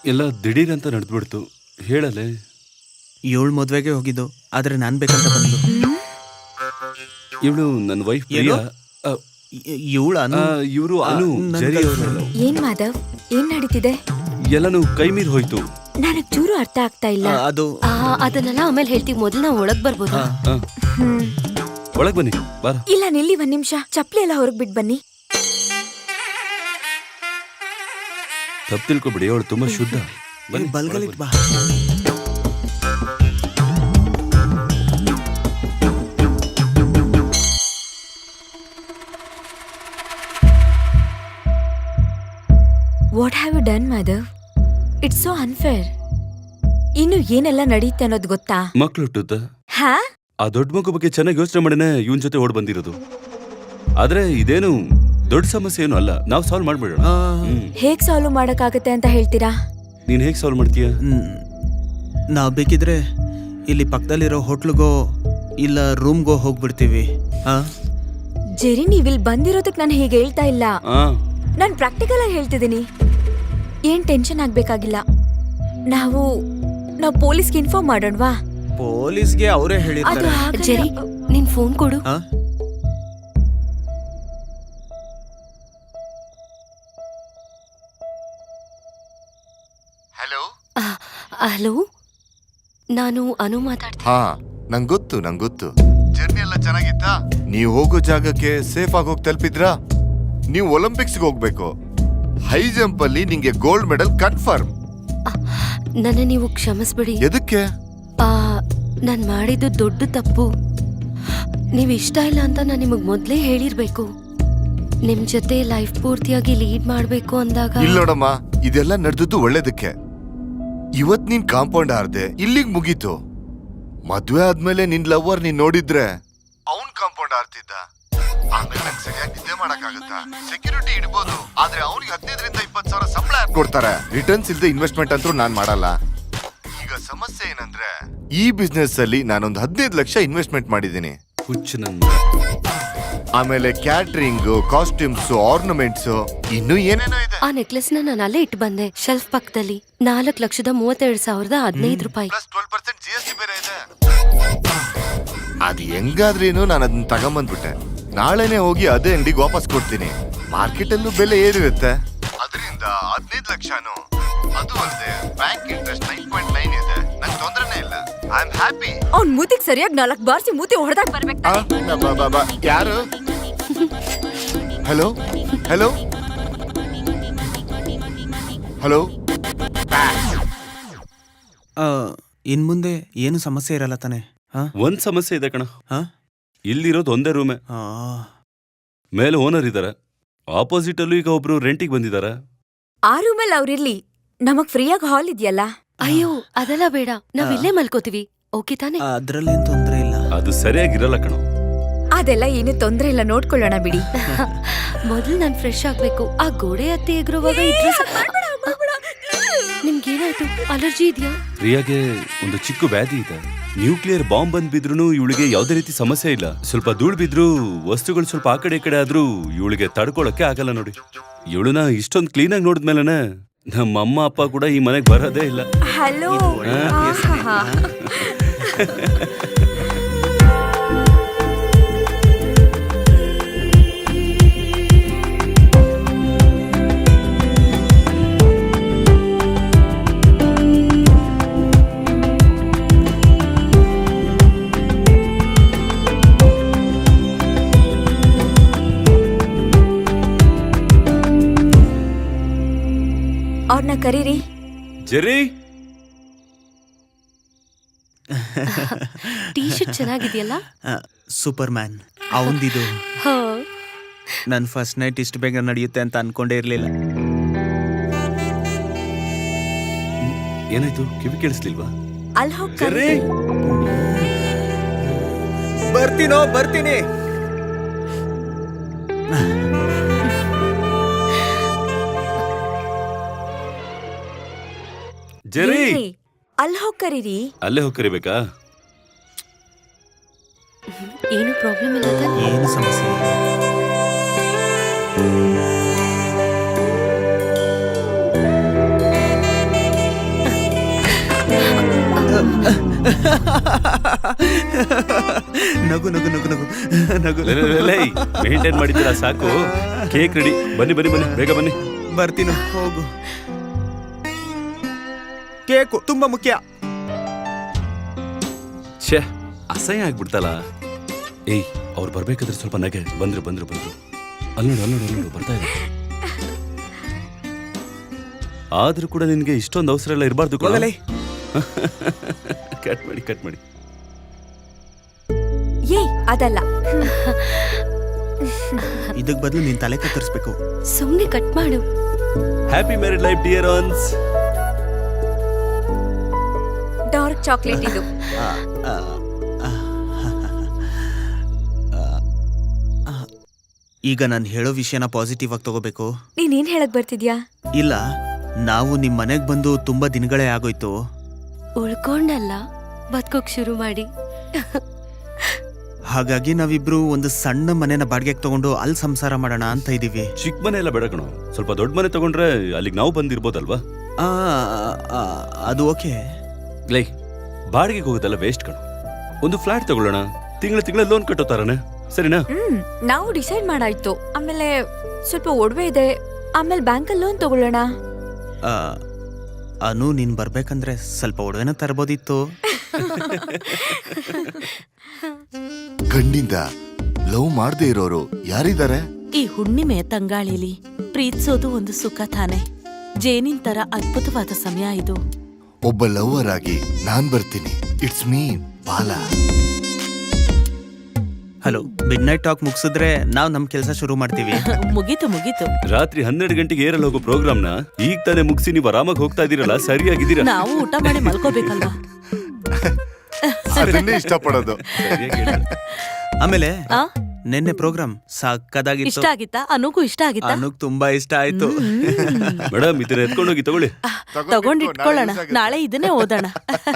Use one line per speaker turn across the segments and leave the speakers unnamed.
ಎಲ್ಲ ದಿಢೀರಂತ ನಡೆದ್ಬಿಡ್ತು. ಹೇಳಲೆ.
ಇವಳು ಮದ್ವೆಗೆ ಹೋಗಿದ್ದು, ಆದ್ರೆ ನಾನ್ ಬೇಕಂತ ಬಂದು.
ಇವಳು ನನ್ನ ವೈಫ್ ಪ್ರಿಯಾ.
ಇವಳು
ಇವರು ಅನು, ಜರಿ ಅವರು.
ಏನ್ ಮಾಧವ್, ಏನ್ ನಡೀತಿದೆ?
ಎಲ್ಲನೂ ಕೈ ಮೀರಿ ಹೋಯ್ತು.
ನನಗ್ ಚೂರು ಅರ್ಥ ಆಗ್ತಾ ಇಲ್ಲ.
ಅದನ್ನೆಲ್ಲ ಆಮೇಲೆ ಹೇಳ್ತೀವಿ, ಮೊದಲು ನಾವು ಒಳಗ್ ಬರ್ಬೋದು.
ಒಳಗ್ ಬನ್ನಿ. ಬಾರ.
ಇಲ್ಲ ನಿಲ್ಲಿ ಒಂದ್ ನಿಮಿಷ, ಚಪ್ಲಿ ಎಲ್ಲ ಹೊರಗ್ ಬಿಟ್ ಬನ್ನಿ.
ತಪ್ಪು ತಿಳ್ಕೊಬಿಡಿ, ಅವಳು ತುಂಬಾ ಶುದ್ಧ.
ಬಲ್ಗಲಿಟ್ ಬಾ.
What have you done Madhav? It's so unfair. ಇನ್ನು ಏನೆಲ್ಲ ನಡೆಯುತ್ತೆ ಅನ್ನೋದು ಗೊತ್ತಾ?
ಮಕ್ಳು ಹುಟ್ಟುತ್ತ
ಹಾ,
ಆ ದೊಡ್ಡ ಮಗು ಬಗ್ಗೆ ಚೆನ್ನಾಗಿ ಯೋಚನೆ ಮಾಡಿನೇ ಇವನ್ ಜೊತೆ ಓಡ್ ಬಂದಿರೋದು. ಆದ್ರೆ ಇದೇನು ದೊಡ್ಡ ಸಮಸ್ಯೆ ಏನು ಅಲ್ಲ, ನಾವು ಸಾಲ್ವ್ ಮಾಡ್ಬಿಡೋಣ.
ಹೇಗ್ ಸಾಲ್ವ್ ಮಾಡಕ್ಕಾಗತ್ತೆ ಅಂತ ಹೇಳ್ತೀರಾ?
ನೀನ್ ಹೇಗ್ ಸಾಲ್ವ್ ಮಾಡ್ತೀಯ?
ನಾವ್ ಬೇಕಿದ್ರೆ ಇಲ್ಲಿ ಪಕ್ಕದಲ್ಲಿರೋ ಹೋಟ್ಲಿಗೋ ಇಲ್ಲ ರೂಮ್ಗೋ ಹೋಗ್ಬಿಡ್ತೀವಿ.
ಜೆರಿ, ನೀವಿಲ್ ಬಂದಿರೋದಕ್ ನಾನು ಹೀಗೆ ಹೇಳ್ತಾ ಇಲ್ಲ, ನಾನ್ ಪ್ರಾಕ್ಟಿಕಲ್ ಆಗಿ ಹೇಳ್ತಿದ್ದೀನಿ. ಏನ್ ಟೆನ್ಷನ್ ಆಗ್ಬೇಕಾಗಿಲ್ಲ. ನಾವು ಪೊಲೀಸ್ಗೆ ಇನ್ಫಾರ್ಮ್ ಮಾಡೋಣವಾ?
ಪೊಲೀಸ್ಗೆ ಅವರೇ ಹೇಳಿದ್ದಾರೆ.
ಜೆರಿ, ನಿನ್ ಫೋನ್ ಕೊಡು. ಹಲೋ, ನಾನು ಅನು ಮಾತಾಡ್ತೀನಿ.
ಹಾ, ನಂಗೊತ್ತು. ಜರ್ನಿ ಎಲ್ಲ ಚೆನ್ನಾಗಿತ್ತಾ? ನೀವು ಹೋಗೋ ಜಾಗಕ್ಕೆ ಸೇಫ್ ಆಗಿ ಹೋಗಿ ತಲುಪಿದ್ರಾ? ನೀವು ಒಲಿಂಪಿಕ್ಸ್ಗೆ ಹೋಗ್ಬೇಕು. ಹೈ ಜಂಪ್ ಅಲ್ಲಿ ನಿಂಗೆ ಗೋಲ್ಡ್ ಮೆಡಲ್ ಕನ್ಫರ್ಮ್.
ನನ್ನ ನೀವು ಕ್ಷಮಿಸ್ಬಿಡಿ.
ಎದಕ್ಕೆ?
ನಾನ್ ಮಾಡಿದ್ದು ದೊಡ್ಡ ತಪ್ಪು. ನೀವ್ ಇಷ್ಟ ಇಲ್ಲ ಅಂತ ನಾನು ನಿಮಗ್ ಮೊದ್ಲೇ ಹೇಳಿರ್ಬೇಕು. ನಿಮ್ ಜೊತೆ ಲೈಫ್ ಪೂರ್ತಿಯಾಗಿ ಲೀಡ್ ಮಾಡ್ಬೇಕು ಅಂದಾಗ.
ಇಲ್ಲ ನೋಡಮ್ಮ, ಇದೆಲ್ಲ ನಡೆದದ್ದು ಒಳ್ಳೇದಕ್ಕೆ. ಇವತ್ ನೀನ್ ಕಾಂಪೌಂಡ್ ಹಾರ್ದೆ, ಇಲ್ಲಿಗ್ ಮುಗೀತು. ಮದ್ವೆ ಆದ್ಮೇಲೆ ನಿನ್ ಲವರ್ ನೀನ್ ನೋಡಿದ್ರೆ ಅವನ್ ಕಾಂಪೌಂಡ್ ಹಾರ್ತಿದ್ದ. ಆಮೇಲೆ ನಂಗೆ ಸರಿಯಾಗಿ ನಿದ್ದೆ ಮಾಡಕ್ಕಾಗತ್ತಾ? ಸೆಕ್ಯೂರಿಟಿ ಇಡ್ಬೋದು, ಆದ್ರೆ ಅವ್ನಿಗೆ 15ರಿಂದ 20,000 ಸಂಬಳ ಕೊಡ್ತಾರೆ. ರಿಟರ್ನ್ಸ್ ಇಲ್ದೆ ಇನ್ವೆಸ್ಟ್ಮೆಂಟ್ ಅಂತೂ ನಾನ್ ಮಾಡಲ್ಲ. ಈಗ ಸಮಸ್ಯೆ ಏನಂದ್ರೆ, ಈ ಬಿಸ್ನೆಸ್ ಅಲ್ಲಿ ನಾನೊಂದು 15 ಲಕ್ಷ ಇನ್ವೆಸ್ಟ್ಮೆಂಟ್ ಮಾಡಿದ್ದೀನಿ. ಆಮೇಲೆ ಕ್ಯಾಟ್ರಿಂಗ್, ಕಾಸ್ಟ್ಯೂಮ್ಸ್, ಆರ್ನಮೆಂಟ್ಸ್, ಇನ್ನು ಏನೇನೋ ಇದೆ.
ಆ ನೆಕ್ಲೆಸ್ ನಾನು ಅಲ್ಲೇ ಇಟ್ಟು ಬಂದೆ, ಶೆಲ್ಫ್ ಪಕ್ಕದಲ್ಲಿ. 4,32,015 ರೂಪಾಯಿ.
ಪ್ಲಸ್ 12% GST ಬೇರೆ ಇದೆ. ಅದು ಹೆಂಗಾದ್ರೇನು ನಾನು ಅದನ್ನ ತಗೊಂಬಂದ್ಬಿಟ್ಟೆ. ನಾಳೆನೆ ಹೋಗಿ ಅದೇ ಅಂಗಡಿಗೆ ವಾಪಸ್ ಕೊಡ್ತೀನಿ. ಮಾರ್ಕೆಟ್ ಅಲ್ಲೂ ಬೆಲೆ ಏನಿರುತ್ತೆ, ಅದರಿಂದ 15 ಲಕ್ಷನು. ಅದು ಅಲ್ಲದೆ ಬ್ಯಾಂಕ್ ಇಂಟ್ರೆಸ್ಟ್ 9.9 ಇದೆ. ನಂಗೆ ತೊಂದ್ರೆನೇ ಇಲ್ಲ. I am happy.
ಅವ್ನ್ ಮೂತಿಗೆ ಸರಿಯಾಗಿ 4 ಬಾರ್ಸಿ ಮೂತಿ ಹೊಡೆದಾಗ ಬರ್ಬೇಕು.
ಯಾರು? Hello hello hello.
ಇನ್ ಮುಂದೆ ಏನು ಸಮಸ್ಯೆ ಇರಲ್ಲ ತಾನೆ?
ಒಂದ್ ಸಮಸ್ಯೆ ಇದೆ ಕಣ. ಇಲ್ಲಿರೋದು ಒಂದೇ ರೂಮೇ. ಮೇಲೆ ಓನರ್ ಇದಾರೆ, ಆಪೋಸಿಟ್ ಅಲ್ಲೂ ಈಗ ಒಬ್ರು ರೆಂಟಿಗೆ ಬಂದಿದ್ದಾರೆ.
ಆ ರೂಮಲ್ಲಿ ಅವ್ರಿರ್ಲಿ, ನಮಗ್ ಫ್ರೀಯಾಗಿ ಹಾಲ್ ಇದೆಯಲ್ಲ.
ಅಯ್ಯೋ, ಅದೆಲ್ಲ ಬೇಡ, ನಾವ್ ಇಲ್ಲೇ ಮಲ್ಕೋತೀವಿ. ಓಕೆ ತಾನೆ?
ಅದ್ರಲ್ಲೇನ್ ತೊಂದ್ರೆ ಇಲ್ಲ.
ಅದು ಸರಿಯಾಗಿರಲ್ಲ ಕಣ.
ಅದೆಲ್ಲ ಏನು ತೊಂದ್ರೆ ಇಲ್ಲ, ನೋಡ್ಕೊಳ್ಳೋಣ ಬಿಡಿ.
ಮೊದಲು ನಾನ್ ಫ್ರೆಶ್ ಆಗ್ಬೇಕು. ಆ ಗೋಡೆ ಹತ್ತಿ ಎಗರುವಾಗ ನಿಮ್ಗೇನಾಯ್ತು? ಅಲರ್ಜಿ ಇದೆಯಾ?
ಪ್ರಿಯಾಗೆ ಒಂದು ಚಿಕ್ಕ ವ್ಯಾಧಿ ಇದೆ. ನ್ಯೂಕ್ಲಿಯರ್ ಬಾಂಬ್ ಬಂದ್ ಬಿದ್ರು ಇವಳಿಗೆ ಯಾವ್ದೇ ರೀತಿ ಸಮಸ್ಯೆ ಇಲ್ಲ. ಸ್ವಲ್ಪ ಧೂಳ್ ಬಿದ್ರು, ವಸ್ತುಗಳು ಸ್ವಲ್ಪ ಆ ಕಡೆ ಈ ಕಡೆ ಆದ್ರೂ ಇವಳಿಗೆ ತಡ್ಕೊಳಕ್ಕೆ ಆಗಲ್ಲ ನೋಡಿ. ಇವಳನ್ನ ಇಷ್ಟೊಂದು ಕ್ಲೀನ್ ಆಗಿ ನೋಡಿದ್ಮೇಲೆ ನಮ್ಮ ಅಮ್ಮ ಅಪ್ಪ ಕೂಡ ಈ ಮನೆಗೆ ಬರೋದೇ ಇಲ್ಲ.
ಹಲೋ. ಅವ್ರನ್ನ ಕರೀರಿ.
ಜೆರಿ,
ಟೀ ಶರ್ಟ್ ಚೆನ್ನಾಗಿದೆಯಲ್ಲ?
ಸೂಪರ್ ಮ್ಯಾನ್ ಅವಂದಿದು. ನನ್ ಫಸ್ಟ್ ನೈಟ್ ಇಷ್ಟು ಬೇಗ ನಡೆಯುತ್ತೆ ಅಂತ ಅನ್ಕೊಂಡೇ ಇರ್ಲಿಲ್ಲ.
ಏನಾಯ್ತು? ಕಿವಿ ಕೇಳಿಸ್ಲಿಲ್ವಾ?
ಅಲ್ಲಿ ಹೋಗ್ತಾರೆ.
ಬರ್ತೀನಿ.
ಜೆರಿ,
ಅಲ್ಲಿ ಹೋಗಿ ಕರೀರಿ.
ಅಲ್ಲೇ ಹೋಗಿ ಕರಿಬೇಕಾ?
ಏನು ಪ್ರಾಬ್ಲಮ್ ಇಲ್ಲ ತಾನೆ?
ಏನು ಸಮಸ್ಯೆ ಇಲ್ಲ. ನಗು ನಗು ನಗು ನಗು ನಗು
ಮೇಂಟೈನ್ ಮಾಡಿದ್ದೀರಾ ಸಾಕು. Cake ready. ಬನ್ನಿ ಬನ್ನಿ ಬನ್ನಿ, ಬೇಗ ಬನ್ನಿ.
ಬರ್ತೀನಿ, ಹೋಗು. ಕೇಕು ತುಂಬಾ ಮುಖ್ಯ.
ಛೇ, ಅಸಹ್ಯ ಆಗ್ಬಿಡ್ತಲ್ಲ. ಏಯ್, ಅವ್ರು ಬರ್ಬೇಕಾದ್ರೆ ಸ್ವಲ್ಪ ನಗೆ. ಬಂದ್ರು ಬಂದ್ರು ಬಂದ್ರು. ಅಲ್ಲೋಡು ಬರ್ತಾ ಇದೆ. ಆದ್ರೂ ಕೂಡ ನಿನ್ಗೆ ಇಷ್ಟೊಂದು ಅವಸರ ಎಲ್ಲ ಇರಬಾರ್ದು.
ಹೋಗಲೇ.
ಕಟ್ ಮಾಡಿ.
ಏಯ್ ಅದಲ್ಲ.
ಇದಕ್ ಬದಲು ನೀನ್ ತಲೆ ಕತ್ತರಿಸ್ಬೇಕು.
ಸುಮ್ನೆ ಕಟ್ ಮಾಡು.
Happy married life dear ones.
Dark chocolate ಇದು.
ಈಗ ನಾನು ಹೇಳೋ ವಿಷಯನ ಪಾಸಿಟಿವ್ ಆಗಿ ತಗೋಬೇಕು.
ನೀನೇನ್ ಹೇಳಕ್ ಬರ್ತಿದ್ಯಾ?
ಇಲ್ಲ, ನಾವು ನಿಮ್ ಮನೆಗ್ ಬಂದು ತುಂಬಾ ದಿನಗಳೇ ಆಗೋಯ್ತು.
ಉಳ್ಕೊಂಡಲ್ಲ, ಬದುಕೋಕ್ ಶುರು ಮಾಡಿ.
ಹಾಗಾಗಿ ನಾವಿಬ್ರು ಒಂದು ಸಣ್ಣ ಮನೆನ ಬಾಡಿಗೆಗೆ ತಗೊಂಡು ಅಲ್ಲಿ ಸಂಸಾರ ಮಾಡೋಣ ಅಂತ ಇದೀವಿ.
ಚಿಕ್ಕ ಮನೆ ಎಲ್ಲ ಬೇಡ ಕಣೋ, ಸ್ವಲ್ಪ ದೊಡ್ಡ ಮನೆ ತಗೊಂಡ್ರೆ ಅಲ್ಲಿಗೆ ನಾವು ಬಂದಿರ್ಬೋದಲ್ವಾ?
ಆ, ಆ, ಅದು ಓಕೆ.
ಲೈ, ಬಾಡಿಗೆಗೆ ಹೋಗೋದೆಲ್ಲ ವೇಸ್ಟ್ ಕಣೋ. ಒಂದು ಫ್ಲಾಟ್ ತಗೊಳ್ಳೋಣ, ತಿಂಗಳ ಲೋನ್ ಕಟ್ಟೋ ತರನೇ, ಸರಿನಾ?
ನಾವು ಡಿಸೈಡ್ ಮಾಡಾಯ್ತು. ಆಮೇಲೆ ಸ್ವಲ್ಪ ಒಡವೆ ಇದೆ, ಆಮೇಲೆ ಬ್ಯಾಂಕಲ್ಲಿ ಲೋನ್ ತಗೊಳ್ಳೋಣ.
ಆ, ಅನು, ನೀನ್ ಬರ್ಬೇಕಂದ್ರೆ ಸ್ವಲ್ಪ ಒಡವೆನ ತರಬೋದಿತ್ತು.
ಗಂಡಿಂದ ಲವ್ ಮಾಡದೇ ಇರೋರು ಯಾರಿದ್ದಾರೆ?
ಈ ಹುಣ್ಣಿಮೆಯ ತಂಗಾಳಿಲಿ ಪ್ರೀತಿಸೋದು ಒಂದು ಸುಖ ತಾನೆ. ಜೇನಿನ್ ತರ ಅದ್ಭುತವಾದ ಸಮಯ ಇದು.
ಒಬ್ಬ ಲವರ್ ಆಗಿ ನಾನ್ ಬರ್ತೀನಿ. It's me Bala.
Hello, midnight talk ಮುಗಿಸಿದ್ರೆ ನಾವು ನಮ್ ಕೆಲಸ ಶುರು ಮಾಡ್ತೀವಿ.
ಮುಗೀತು.
ರಾತ್ರಿ 12 ಗಂಟೆಗೆ ಏರಲ್ ಹೋಗೋ ಪ್ರೋಗ್ರಾಮ್ನ ಈಗ ತಾನೇ ಮುಗಿಸಿ ನೀವು ಆರಾಮಾಗಿ ಹೋಗ್ತಾ ಇದೀರಲ್ಲ, ಸರಿಯಾಗಿದ್ದೀರಾ?
ನಾವು ಊಟ ಮಾಡಿ ಮಲ್ಕೋಬೇಕಲ್ವಾ?
ಅದನ್ನೇ ಇಷ್ಟಪಡೋದು.
ಸರಿಯಾಗಿ ಹೇಳಿದ್ರೆ.
ಆಮೇಲೆ
ಆ?
ನಿನ್ನೆ ಪ್ರೋಗ್ರಾಮ್ ಸಾಕದಾಗಿತ್ತು.
ಇಷ್ಟ ಆಗಿತ್ತಾ? ಅನುಗೂ ಇಷ್ಟ ಆಗಿತ್ತಾ?
ಅನುಗ್ ತುಂಬಾ ಇಷ್ಟ ಆಯ್ತು.
ಮೇಡಮ್, ಇದನ್ನ ಎತ್ಕೊಂಡೋಗಿ ತಗೊಳ್ಳಿ.
ತಗೊಂಡಿಟ್ಕೊಳ್ಳೋಣ, ನಾಳೆ ಇದನ್ನೇ ಓದೋಣ.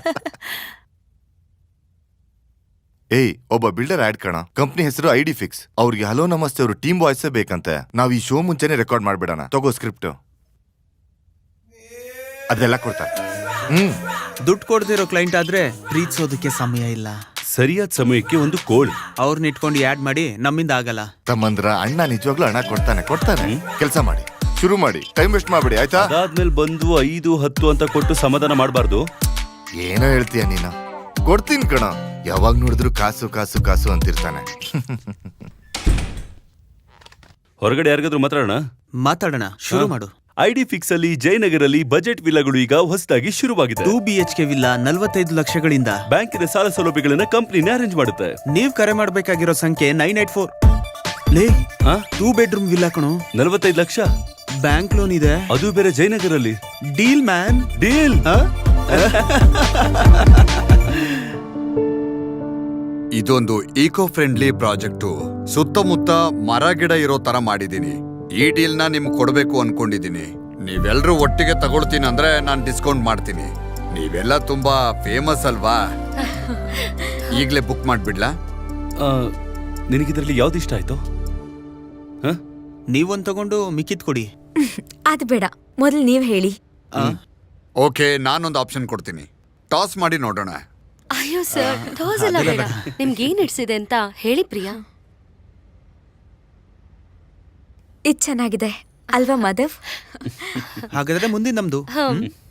ಏಯ್, ಒಬ್ಬ ಬಿಲ್ಡರ್ ಆಡ್ ಕಣ. ಕಂಪ್ನಿ ಹೆಸರು ಐಡಿ ಫಿಕ್ಸ್. ಅವ್ರಿಗೆ ಹಲೋ ನಮಸ್ತೆ ಅವರು ಟೀಮ್ ವಾಯ್ಸ್ ಬೇಕಂತೆ. ನಾವ್ ಈ ಶೋ ಮುಂಚೆನೆ ರೆಕಾರ್ಡ್ ಮಾಡ್ಬಿಡೋಣ. ತಗೋ ಸ್ಕ್ರಿಪ್ಟ್. ಅದೆಲ್ಲ ಕೊಡ್ತಾರೆ.
ದುಡ್ಡು ಕೊಡ್ದಿರೋ ಕ್ಲೈಂಟ್ ಆದ್ರೆ ಪ್ರೀತಿಸೋದಕ್ಕೆ ಸಮಯ ಇಲ್ಲ.
ಸರಿಯಾದ ಸಮಯಕ್ಕೆ ಒಂದು ಕೋಳಿ.
ಅವ್ರನ್ನ ಇಟ್ಕೊಂಡು ಆಡ್ ಮಾಡಿ ನಮ್ಮಿಂದ ಆಗಲ್ಲ.
ತಮ್ಮಂದ್ರ ಅಣ್ಣ ನಿಜವಾಗ್ಲೂ ಹಣ ಕೊಡ್ತಾನೆ. ಕೆಲಸ ಮಾಡಿ, ಶುರು ಮಾಡಿ, ಟೈಮ್ ವೇಸ್ಟ್ ಮಾಡ್ಬಿಡಿ, ಆಯ್ತಾ?
ಅದಾದ್ಮೇಲೆ ಬಂದು 5, 10 ಅಂತ ಕೊಟ್ಟು ಸಮಾಧಾನ ಮಾಡಬಾರ್ದು.
ಏನೋ ಹೇಳ್ತೀಯ ನೀನು. ಕೊಡ್ತೀನಿ ಕಣ. ಯಾವಾಗ ನೋಡಿದ್ರು ಕಾಸು ಕಾಸು ಕಾಸು ಅಂತಿರ್ತಾನೆ.
ಹೊರಗಡೆ ಯಾರಿಗಾದ್ರೂ
ಮಾತಾಡೋಣ, ಶುರು ಮಾಡು.
ಐಡಿ ಫಿಕ್ಸ್ ಅಲ್ಲಿ ಜಯನಗರಲ್ಲಿ ಬಜೆಟ್ ವಿಲ್ಲಾಗಳು ಈಗ ಹೊಸದಾಗಿ ಶುರುವಾಗಿದೆ.
2 BHK ವಿಲ್ಲಾ 45 ಲಕ್ಷಗಳಿಂದ.
ಬ್ಯಾಂಕಿನ ಸಾಲ ಸೌಲಭ್ಯಗಳನ್ನ ಕಂಪನಿನೇ ಅರೇಂಜ್ ಮಾಡುತ್ತೆ.
ನೀವ್ ಕರೆ ಮಾಡ್ಬೇಕಾಗಿರೋ ಸಂಖ್ಯೆ 984. ಲೇ, 2 ಬೆಡ್ರೂಮ್ ವಿಲ್ಲಾ ಕಣೋ,
45 ಲಕ್ಷ.
ಬ್ಯಾಂಕ್ ಲೋನ್ ಇದೆ,
ಅದು ಬೇರೆ ಜಯನಗರಲ್ಲಿ.
Deal man,
deal.
ಇದೊಂದು ಈಕೋ ಫ್ರೆಂಡ್ಲಿ ಪ್ರಾಜೆಕ್ಟು. ಸುತ್ತಮುತ್ತ ಮರ ಗಿಡ ಇರೋ ತರ ಮಾಡಿದೀನಿ. ಈ ಡೀಲ್ನ ನಿಮ್ಗೆ ಕೊಡಬೇಕು ಅನ್ಕೊಂಡಿದೀನಿ. ನೀವೆಲ್ಲರೂ ಒಟ್ಟಿಗೆ ತಗೊಳ್ತೀನಿ ಅಂದ್ರೆ ನಾನು ಡಿಸ್ಕೌಂಟ್ ಮಾಡ್ತೀನಿ. ನೀವೆಲ್ಲ ತುಂಬಾ ಫೇಮಸ್ ಅಲ್ವಾ? ಈಗಲೇ ಬುಕ್ ಮಾಡ್ಬಿಡ್ಲಾ?
ನಿನಗಿದ್ರಲ್ಲಿ ಯಾವ್ದು ಇಷ್ಟ ಆಯ್ತು?
ನೀವೊಂದ್ ತಗೊಂಡು ಮಿಕ್ಕಿದ್ ಕೊಡಿ.
ಅದು ಬೇಡ, ಮೊದಲು ನೀವ್ ಹೇಳಿ.
ಓಕೆ, ನಾನೊಂದು ಆಪ್ಷನ್ ಕೊಡ್ತೀನಿ. ಟಾಸ್ ಮಾಡಿ ನೋಡೋಣ.
ಅಯ್ಯೋ ಸರ್, ಟಾಸ್ ಎಲ್ಲ ಬೇಡ. ನಿಮ್ಗೆ ಏನ್ ಹಿಡ್ಸಿದೆ ಅಂತ ಹೇಳಿ ಪ್ರಿಯಾ.
ಇದು ಚೆನ್ನಾಗಿದೆ ಅಲ್ವಾ ಮಾಧವ್?
ಹಾಗಾದ್ರೆ ಮುಂದಿನ ನಮ್ದು.